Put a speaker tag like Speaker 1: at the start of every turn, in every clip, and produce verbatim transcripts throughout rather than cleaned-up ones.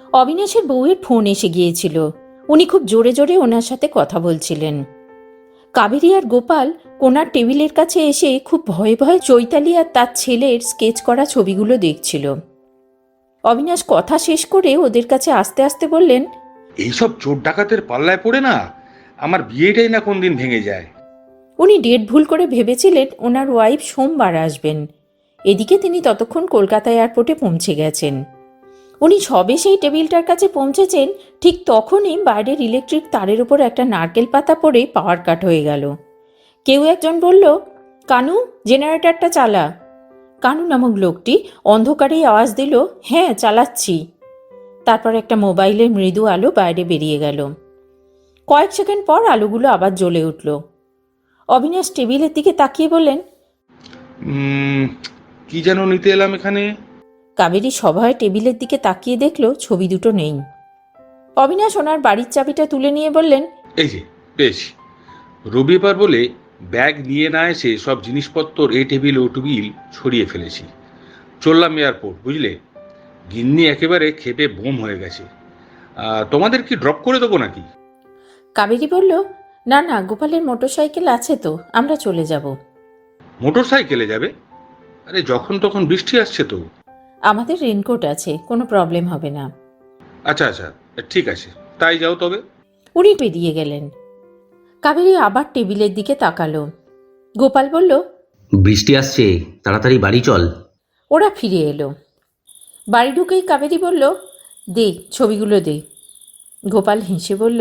Speaker 1: অবিনাশের বউয়ের ফোন এসে গিয়েছিল। উনি খুব জোরে জোরে ওনার সাথে কথা বলছিলেন। কাবেরী আর গোপাল কোনার টেবিলের কাছে এসে খুব ভয়ে ভয়ে চৈতালি আর তার ছেলের স্কেচ করা ছবিগুলো দেখছিল। অবিনাশ কথা শেষ করে ওদের কাছে আস্তে আস্তে বললেন,
Speaker 2: এইসব চোর ডাকাতের পাল্লায় পড়ে না আমার বিয়েটাই না কোন দিন ভেঙে যায়।
Speaker 1: উনি ডেট ভুল করে ভেবেছিলেন ওনার ওয়াইফ সোমবার আসবেন। এদিকে তিনি ততক্ষণ কলকাতা এয়ারপোর্টে পৌঁছে গেছেন। উনি সবে সেই টেবিলটার কাছে পৌঁছেছেন, ঠিক তখনই বাইরের ইলেকট্রিক তারের উপর একটা নারকেল পাতা পড়ে পাওয়ার কাট হয়ে গেল। কেউ একজন বলল, কানু, জেনারেটরটা চালা। কানু নামক লোকটি অন্ধকারেই আওয়াজ দিল, হ্যাঁ চালাচ্ছি। তারপর একটা মোবাইলের মৃদু আলো বাইরে বেরিয়ে গেল। কয়েক সেকেন্ড পর আলোগুলো আবার জ্বলে উঠল। অবিনাশ টেবিলের দিকে তাকিয়ে বললেন,
Speaker 2: উম, কি যেন নিতে এলাম এখানে।
Speaker 1: কাবেরী সভয়ে টেবিলের দিকে তাকিয়ে দেখল ছবি দুটো নেই। অবিনাশ ওনার বাড়ির চাবিটা তুলে নিয়ে বললেন,
Speaker 2: এই যে পেয়েছি। রবিবার বলে ব্যাগ নিয়ে না এসে সব জিনিসপত্র এই টেবিল ও টেবিল ছড়িয়ে ফেলেছি। চললাম এয়ারপোর্ট, বুঝলে। গিন্নি একেবারে খেপে বোম হয়ে গেছে। আহ, তোমাদের কি ড্রপ করে দেবো নাকি?
Speaker 1: কাবেরী বলল, না না, গোপালের মোটরসাইকেল আছে তো, আমরা চলে যাব।
Speaker 2: মোটর সাইকেলে যাবে? আরে যখন তখন বৃষ্টি আসছে তো।
Speaker 1: আমাদের রেনকোট আছে, কোনো প্রবলেম হবে না।
Speaker 2: আচ্ছা আচ্ছা, ঠিক আছে, তাই যাও তবে।
Speaker 1: উনি বেরিয়ে গেলেন। কাবেরী আবার টেবিলের দিকে তাকালো। গোপাল বলল,
Speaker 3: বৃষ্টি আসছে, তাড়াতাড়ি বাড়ি চল।
Speaker 1: ওরা ফিরে এলো। বাড়ি ঢুকেই কাবেরী বলল, দে ছবিগুলো দে। গোপাল হেসে বলল,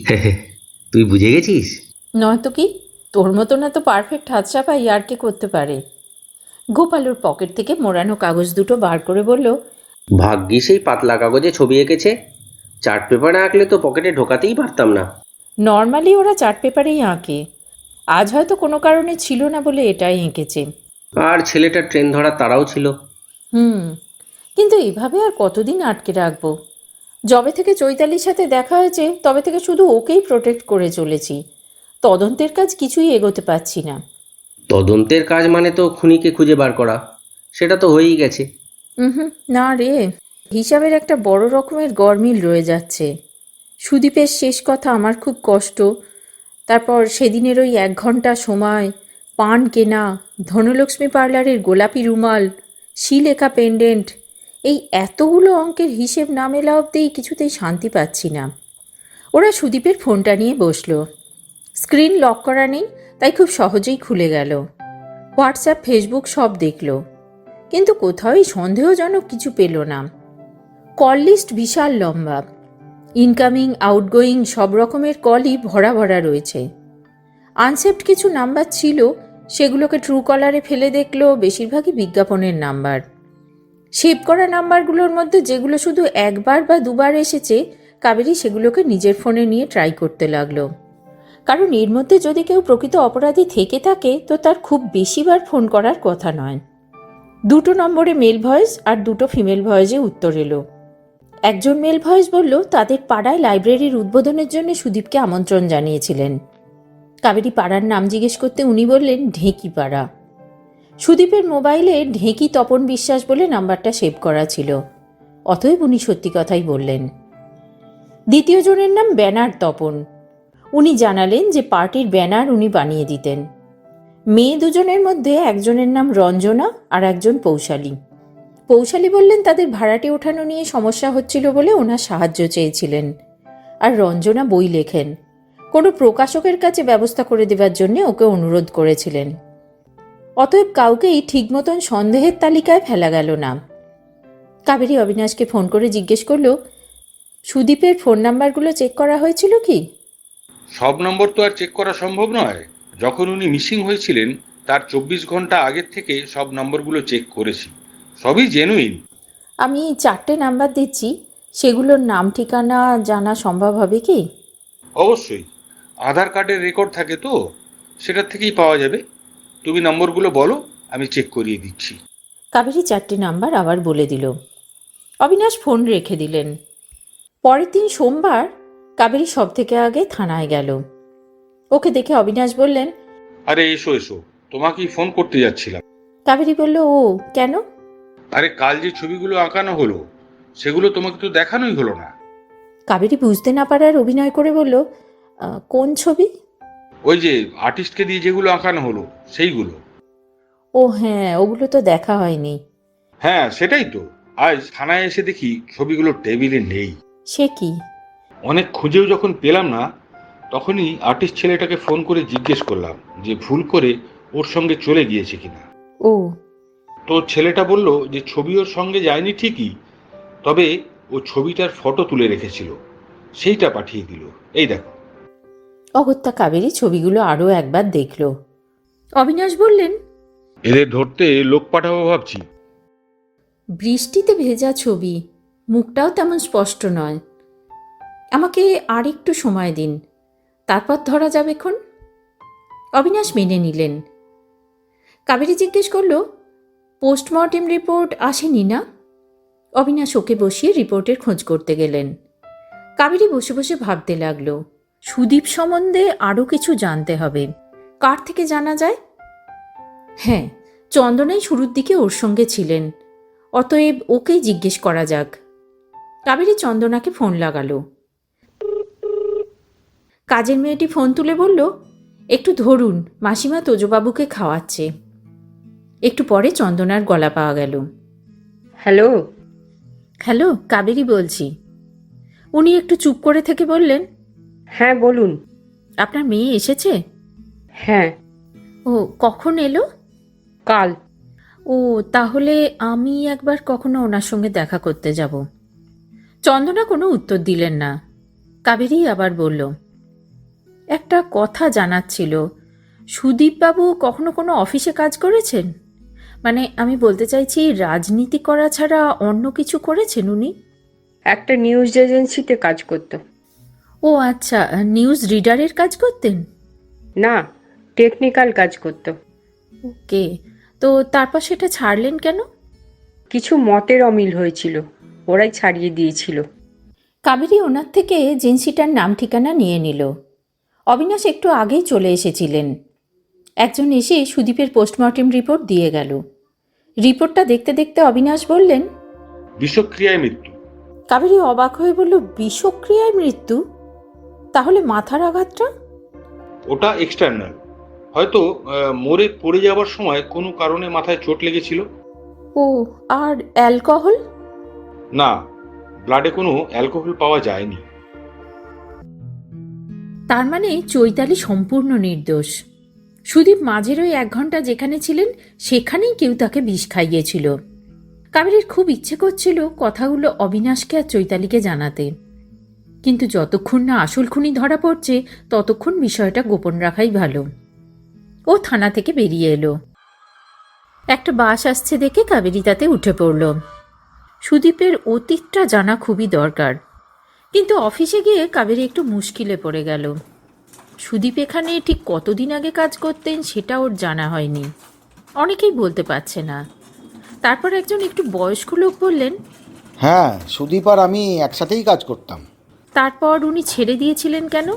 Speaker 3: তুই বুঝে গেছিস?
Speaker 1: নয়তো কি, তোর মতো না তো পারফেক্ট হাতছাপাই আর কে করতে পারে। গোপাল ওর পকেট থেকে মোড়ানো কাগজ দুটো বার করে বলল,
Speaker 3: ভাগ্যিস এই পাতলা কাগজে ছবি এঁকেছে, চার্ট পেপারে আঁকলে তো পকেটে ঢোকাতেই পারতাম না।
Speaker 1: নর্মালি ওরা চার্ট পেপারেই আঁকে, আজ হয়তো কোনো কারণে ছিল না বলে এটাই এঁকেছে।
Speaker 3: আর ছেলেটার ট্রেন ধরার তাড়াও ছিল।
Speaker 1: হুম, কিন্তু এভাবে আর কতদিন আটকে রাখবো? যবে থেকে চৈতালির সাথে দেখা হয়েছে তবে থেকে শুধু ওকেই প্রোটেক্ট করে চলেছি। তদন্তের কাজ কিছুই এগোতে পারছি না।
Speaker 3: তদন্তের কাজ মানে তো খুনিকে খুঁজে বার করা, সেটা তো হয়েই গেছে।
Speaker 1: হুম, না রে, হিসাবের একটা বড় রকমের গরমিল রয়ে যাচ্ছে। সুদীপের শেষ কথা আমার খুব কষ্ট। তারপর সেদিনের ওই এক ঘন্টা সময়, পান কেনা, ধনলক্ষ্মী পার্লারের গোলাপি রুমাল, শিলেখা পেন্ডেন্ট, এই এতগুলো অঙ্কের হিসেব না মেলা অবধিই কিছুতেই শান্তি পাচ্ছি না। ওরা সুদীপের ফোনটা নিয়ে বসলো। স্ক্রিন লক করা নেই, তাই খুব সহজেই খুলে গেল। হোয়াটসঅ্যাপ, ফেসবুক সব দেখল, কিন্তু কোথাওই সন্দেহজনক কিছু পেল না। কল লিস্ট বিশাল লম্বা, ইনকামিং আউটগোয়িং সব রকমের কলই ভরা ভরা রয়েছে। আনসেভড কিছু নাম্বার ছিল, সেগুলোকে ট্রু কলারে ফেলে দেখল বেশিরভাগই বিজ্ঞাপনের নাম্বার। সেভ করা নাম্বারগুলোর মধ্যে যেগুলো শুধু একবার বা দুবার এসেছে, কাবেরী সেগুলোকে নিজের ফোনে নিয়ে ট্রাই করতে লাগলো। কারণ এর মধ্যে যদি কেউ প্রকৃত অপরাধী থেকে থাকে তো তার খুব বেশিবার ফোন করার কথা নয়। দুটো নম্বরে মেল ভয়েস আর দুটো ফিমেল ভয়েসে উত্তর এলো। একজন মেল ভয়েস বলল তাদের পাড়ায় লাইব্রেরির উদ্বোধনের জন্য সুদীপকে আমন্ত্রণ জানিয়েছিলেন। কাবেরী পাড়ার নাম জিজ্ঞেস করতে উনি বললেন ঢেঁকি পাড়া। সুদীপের মোবাইলে ঢেঁকি তপন বিশ্বাস বলে নাম্বারটা সেভ করা ছিল, অতএব উনি সত্যি কথাই বললেন। দ্বিতীয় জনের নাম ব্যানার তপন। উনি জানালেন যে পার্টির ব্যানার উনি বানিয়ে দিতেন। মেয়ে দুজনের মধ্যে একজনের নাম রঞ্জনা আর একজন পৌশালী। পৌশালী বললেন তাদের ভাড়াটে ওঠানো নিয়ে সমস্যা হচ্ছিল বলে ওনার সাহায্য চেয়েছিলেন, আর রঞ্জনা বই লেখেন, কোনো প্রকাশকের কাছে ব্যবস্থা করে দেবার জন্য ওকে অনুরোধ করেছিলেন। অতএব কাউকেই ঠিক মতন সন্দেহের তালিকায় ফেলা গেল না। কাবেরী অবিনাশকে ফোন করে জিজ্ঞেস করল, সুদীপের ফোন নাম্বারগুলো চেক করা হয়েছিল কি?
Speaker 2: সব নম্বর তো আর চেক করা সম্ভব নয়। যখন উনি মিসিং হয়েছিলেন তার চব্বিশ ঘন্টা আগের থেকে সব নম্বরগুলো চেক করেছি, সবই জেনুইন।
Speaker 1: আমি চারটে নাম্বার দিচ্ছি, সেগুলোর নাম ঠিকানা জানা সম্ভব হবে কি?
Speaker 2: অবশ্যই, আধার কার্ডের রেকর্ড থাকে তো, সেটার থেকেই পাওয়া যাবে। তুমি নম্বরগুলো বলো, আমি চেক করিয়ে দিচ্ছি।
Speaker 1: কাবেরী চারটে নাম্বার আবার বলে দিল। অবিনাশ ফোন রেখে দিলেন। পরের দিন সোমবার কাবেরী সব থেকে আগে থানায় গেল। ওকে দেখে অবিনাশ বললেন,
Speaker 2: আরে এসো এসো, তোমাকেই ফোন করতে যাচ্ছিলাম।
Speaker 1: কাবেরী বলল, ও কেন?
Speaker 2: আরে কাল যে ছবিগুলো আঁকানো হলো সেগুলো তোমাকে তো দেখানোই হলো না।
Speaker 1: কাবেরী বুঝতে না পারার অভিনয় করে বলল, "আহ, কোন ছবি?"
Speaker 2: ওই যে আর্টিস্টকে দিয়ে যেগুলো আঁকানো হলো সেইগুলো।
Speaker 1: ও হ্যাঁ, ওগুলো তো দেখা হয়নি।
Speaker 2: হ্যাঁ সেটাই তো, আজ থানায় এসে দেখি ছবিগুলো টেবিলে নেই।
Speaker 1: সে কি?
Speaker 2: অনেক খুঁজেও যখন পেলাম না, তখনই আর্টিস্ট ছেলেটাকে ফোন করে জিজ্ঞেস করলাম যে ভুল করে ওর সঙ্গে চলে গিয়েছে কিনা।
Speaker 1: ও,
Speaker 2: তো ছেলেটা বলল যে ছবি ওর সঙ্গে যায়নি ঠিকই, তবে ও ছবিটার ফটো তুলে রেখেছিল, সেইটা পাঠিয়ে দিল। এই দেখো।
Speaker 1: অগত্যা কাবেরী ছবিগুলো আরও একবার দেখল। অবিনাশ বললেন,
Speaker 2: এদের ধরতে লোক পাঠাবো ভাবছি।
Speaker 1: বৃষ্টিতে ভেজা ছবি, মুখটাও তেমন স্পষ্ট নয়। আমাকে আর একটু সময় দিন, তারপর ধরা যাবেক্ষণ। অবিনাশ মেনে নিলেন। কাবেরী জিজ্ঞেস করল, পোস্টমর্টেম রিপোর্ট আসেনি না? অবিনাশ ওকে বসিয়ে রিপোর্টের খোঁজ করতে গেলেন। কাবেরী বসে বসে ভাবতে লাগলো, সুদীপ সম্বন্ধে আরও কিছু জানতে হবে। কার থেকে জানা যায়? হ্যাঁ, চন্দনাই শুরুর দিকে ওর সঙ্গে ছিলেন, অতএব ওকেই জিজ্ঞেস করা যাক। কাবেরী চন্দনাকে ফোন লাগালো। কাজের মেয়েটি ফোন তুলে বলল, একটু ধরুন, মাসিমা তোজবাবুকে খাওয়াচ্ছে। একটু পরে চন্দনার গলা পাওয়া গেল।
Speaker 4: হ্যালো।
Speaker 1: হ্যালো, কাবেরী বলছি। উনি একটু চুপ করে থেকে বললেন,
Speaker 4: হ্যাঁ বলুন।
Speaker 1: আপনার মেয়ে এসেছে?
Speaker 4: হ্যাঁ।
Speaker 1: ও কখন এলো?
Speaker 4: কাল।
Speaker 1: ও, তাহলে আমি একবার কখনো ওনার সঙ্গে দেখা করতে যাব। চন্দনা কোনো উত্তর দিলেন না। কাবেরী আবার বলল, একটা কথা জানার ছিল। সুদীপবাবু কখনো কোনো অফিসে কাজ করেছেন? মানে আমি বলতে চাইছি, রাজনীতি করা ছাড়া অন্য কিছু করেছেন উনি?
Speaker 4: একটা নিউজ এজেন্সিতে কাজ করত।
Speaker 1: ও আচ্ছা, নিউজ রিডারের কাজ করতেন?
Speaker 4: না, টেকনিক্যাল কাজ করত।
Speaker 1: ওকে, তো তারপর সেটা ছাড়লেন কেন?
Speaker 4: কিছু মতের অমিল হয়েছিল, ওরাই ছাড়িয়ে দিয়েছিল।
Speaker 1: কাবেরী ওনার থেকে এজেন্সিটার নাম ঠিকানা নিয়ে নিল। অবিনাশ একটু আগেই চলে এসেছিলেন। একজন এসে সুদীপের পোস্টমর্টেম রিপোর্ট দিয়ে গেল। রিপোর্টটা দেখতে দেখতে অবিনাশ বললেন,
Speaker 2: বিষক্রিয়ায় মৃত্যু।
Speaker 1: কাবেরী অবাক হয়ে বলল, বিষক্রিয়ায় মৃত্যু? তাহলে মাথার আঘাতটা?
Speaker 2: ওটা এক্সটার্নাল, হয়তো আহ, মরে পড়ে যাওয়ার সময় কোনো কারণে মাথায় চোট লেগেছিল।
Speaker 1: ও, আর অ্যালকোহল?
Speaker 2: না, ব্লাডে কোনো অ্যালকোহল পাওয়া যায়নি।
Speaker 1: তার মানে চৈতালি সম্পূর্ণ নির্দোষ। সুদীপ মাঝের ওই এক ঘন্টা যেখানে ছিলেন সেখানেই কেউ তাকে বিষ খাইয়েছিল। কাবেরীর খুব ইচ্ছে করছিল কথাগুলো অবিনাশকে আর চৈতালিকে জানাতে, কিন্তু যতক্ষণ না আসল খুনি ধরা পড়ছে ততক্ষণ বিষয়টা গোপন রাখাই ভালো। ও থানা থেকে বেরিয়ে এলো। একটা বাস আসছে দেখে কাবেরী তাতে উঠে পড়ল। সুদীপের অতীতটা জানা খুবই দরকার, কিন্তু অফিসে গিয়ে কাবেরী একটু মুশকিলে পড়ে গেল। সুদীপ এখানে ঠিক কতদিন আগে কাজ করতেন সেটা ওর জানা হয়নি, অনেকেই বলতে পারছে না। তারপর একজন একটু বয়স্ক লোক বললেন,
Speaker 5: হ্যাঁ, সুদীপ আর আমি একসাথেই কাজ করতাম।
Speaker 1: তারপর উনি ছেড়ে দিয়েছিলেন কেন?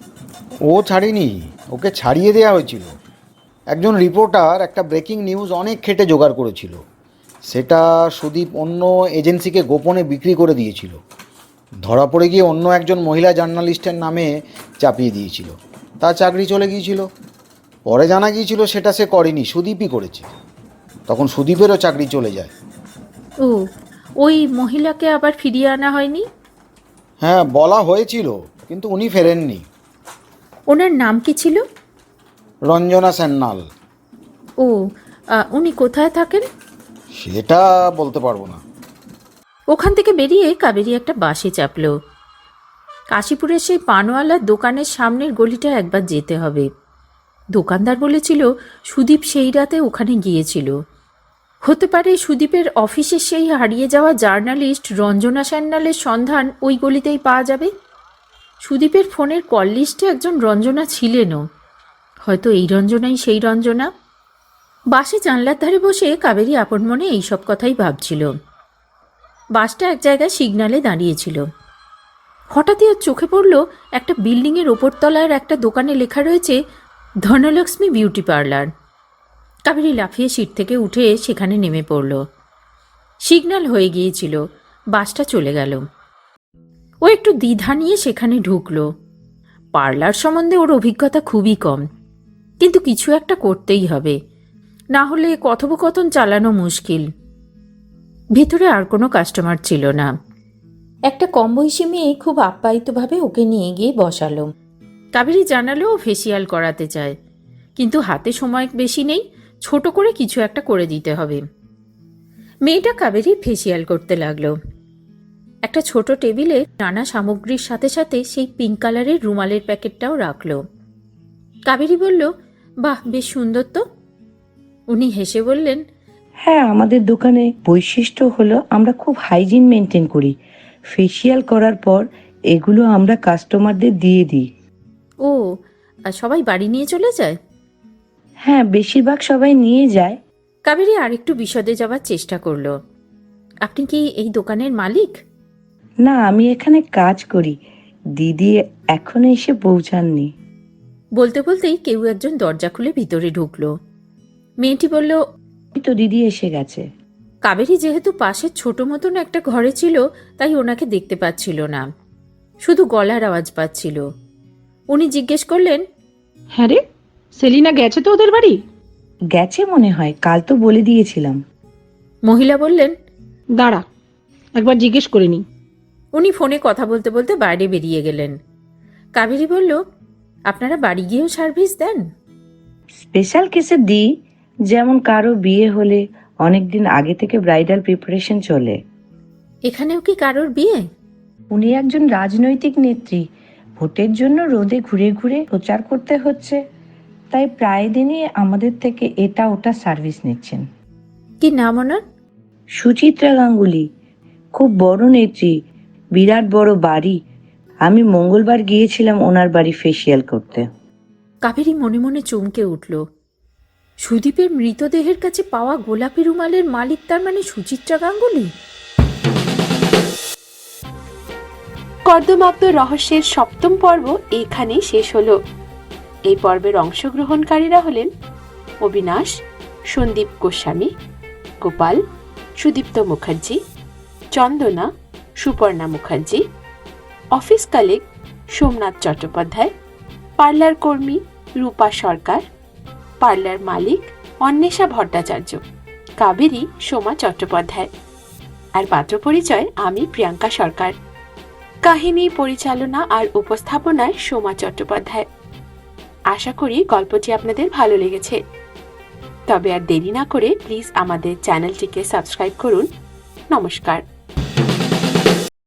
Speaker 5: ও ছাড়েনি, ওকে ছাড়িয়ে দেওয়া হয়েছিল। একজন রিপোর্টার একটা ব্রেকিং নিউজ অনেক খেটে জোগাড় করেছিল, সেটা সুদীপ অন্য এজেন্সিকে গোপনে বিক্রি করে দিয়েছিল। ধরা পড়ে গিয়ে অন্য একজন মহিলা জার্নালিস্টের নামে চাপিয়ে দিয়েছিল, তার চাকরি চলে গিয়েছিল। পরে জানা গিয়েছিল সেটা সে করেনি, সুদীপই করেছে। তখন সুদীপেরও চাকরি চলে যায়।
Speaker 1: ও, ওই মহিলাকে আবার ফিরিয়ে আনা হয়নি?
Speaker 5: হ্যাঁ, বলা হয়েছিল, কিন্তু উনি ফেরেননি।
Speaker 1: ওনার নাম কি ছিল?
Speaker 5: রঞ্জনা সান্যাল।
Speaker 1: ও, আহ, উনি কোথায় থাকেন?
Speaker 5: সেটা বলতে পারবো না।
Speaker 1: ওখান থেকে বেরিয়ে কাবেরী একটা বাসে চাপল। কাশীপুরের সেই পানওয়ালার দোকানের সামনের গলিটা একবার যেতে হবে। দোকানদার বলেছিল সুদীপ সেই রাতে ওখানে গিয়েছিল। হতে পারে সুদীপের অফিসের সেই হারিয়ে যাওয়া জার্নালিস্ট রঞ্জনা সান্যালের সন্ধান ওই গলিতেই পাওয়া যাবে। সুদীপের ফোনের কল লিস্টে একজন রঞ্জনা ছিলেনও, হয়তো এই রঞ্জনাই সেই রঞ্জনা। বাসে জানলার ধারে বসে কাবেরী আপন মনে এইসব কথাই ভাবছিল। বাসটা এক জায়গায় সিগন্যালে দাঁড়িয়েছিল। হঠাৎই ওর চোখে পড়ল একটা বিল্ডিংয়ের ওপরতলার একটা দোকানে লেখা রয়েছে ধনলক্ষ্মী বিউটি পার্লার। কাবেরী লাফিয়ে সিট থেকে উঠে সেখানে নেমে পড়ল। সিগন্যাল হয়ে গিয়েছিল। বাসটা চলে গেল। ও একটু দ্বিধা নিয়ে সেখানে ঢুকলো। পার্লার সম্বন্ধে ওর অভিজ্ঞতা খুবই কম, কিন্তু কিছু একটা করতেই হবে, না হলে কথোপকথন চালানো মুশকিল। ভিতরে আর কোনো কাস্টমার ছিল না। একটা কম বয়সী মেয়ে খুব আপ্যায়িতভাবে ওকে নিয়ে গিয়ে বসালো। কাবেরী জানালো ও ফেসিয়াল করাতে চায়, কিন্তু হাতে সময় বেশি নেই, ছোট করে কিছু একটা করে দিতে হবে। মেয়েটা কাবেরী ফেসিয়াল করতে লাগলো। একটা ছোট টেবিলে নানা সামগ্রীর সাথে সাথে সেই পিঙ্ক কালারের রুমালের প্যাকেটটাও রাখলো। কাবেরী বলল, বাহ, বেশ সুন্দর তো। উনি হেসে বললেন,
Speaker 6: হ্যাঁ, আমাদের দোকানে বৈশিষ্ট্য হলো আমরা খুব হাইজিন মেনটেন করি। ফেসিয়াল করার পর এগুলো আমরা কাস্টমারদের দিয়ে দিই।
Speaker 1: ও, আর সবাই বাড়ি নিয়ে চলে যায়?
Speaker 6: হ্যাঁ, বেশিরভাগ সবাই নিয়ে যায়।
Speaker 1: কাবেরী আরেকটু বিশদে যাওয়ার চেষ্টা করলো। আপনি কি এই দোকানের মালিক?
Speaker 6: না, আমি এখানে কাজ করি। দিদি এখনো এসে পৌঁছাননি।
Speaker 1: বলতে বলতেই কেউ একজন দরজা খুলে ভিতরে ঢুকলো। মেয়েটি বলল,
Speaker 6: এই তো দিদি এসে গেছে।
Speaker 1: কাবেরী যেহেতু পাশের ছোট মতন একটা ঘরে ছিল, তাই ওনাকে দেখতে পাচ্ছিল না, শুধু গলার আওয়াজ পাচ্ছিল। উনি জিজ্ঞেস করলেন,
Speaker 7: হ্যাঁ রে, সেলিনা গেছে তো ওদের বাড়ি?
Speaker 6: গেছে মনে হয়, কাল তো বলে দিয়েছিলাম।
Speaker 1: মহিলা বললেন,
Speaker 7: দাঁড়া, একবার জিজ্ঞেস করে নি।
Speaker 1: উনি ফোনে কথা বলতে বলতে বাইরে বেরিয়ে গেলেন। কাবেরী বলল, আপনারা বাড়ি গিয়েও সার্ভিস দেন?
Speaker 6: স্পেশাল কেসে দিই, যেমন কারো বিয়ে হলে অনেকদিন আগে থেকে ব্রাইডাল প্রিপারেশন চলে।
Speaker 1: এখানেও কি কারোর বিয়ে?
Speaker 6: উনি একজন রাজনৈতিক নেত্রী, ভোটের জন্য রোদে ঘুরে ঘুরে প্রচার করতে হচ্ছে, তাই প্রায় দিনই আমাদের থেকে এটা ওটা সার্ভিস নিচ্ছেন।
Speaker 1: কি নাম ওনার?
Speaker 6: সুচিত্রা গাঙ্গুলি, খুব বড় নেত্রী, বিরাট বড় বাড়ি। আমি মঙ্গলবার গিয়েছিলাম ওনার বাড়ি ফেসিয়াল করতে।
Speaker 1: কাবেরী মনে মনে চমকে উঠল। সুদীপের মৃতদেহের কাছে পাওয়া গোলাপি রুমালের মালিক তার মানে সুচিত্রা গাঙ্গুলি?
Speaker 8: কর্দমাক্ত রহস্যের সপ্তম পর্ব এখানেই শেষ হলো। এই পর্বের অংশগ্রহণকারীরা হলেন Abinash, Sandip Goswami, Gopal, Sudipta Mukherjee, Chandana, Suparna Mukherjee, office colleague Somnath Chattopadhyay, parlour কর্মী রূপা সরকার, পার্লার মালিক অন্বেষা ভট্টাচার্য, কাবেরী সোমা চট্টোপাধ্যায়, আর পাত্র পরিচয় আমি প্রিয়াঙ্কা সরকার। কাহিনী পরিচালনা আর উপস্থাপনায় সোমা চট্টোপাধ্যায়। আশা করি গল্পটি আপনাদের ভালো লেগেছে। তবে আর দেরি না করে প্লিজ আমাদের চ্যানেলটিকে সাবস্ক্রাইব করুন। নমস্কার।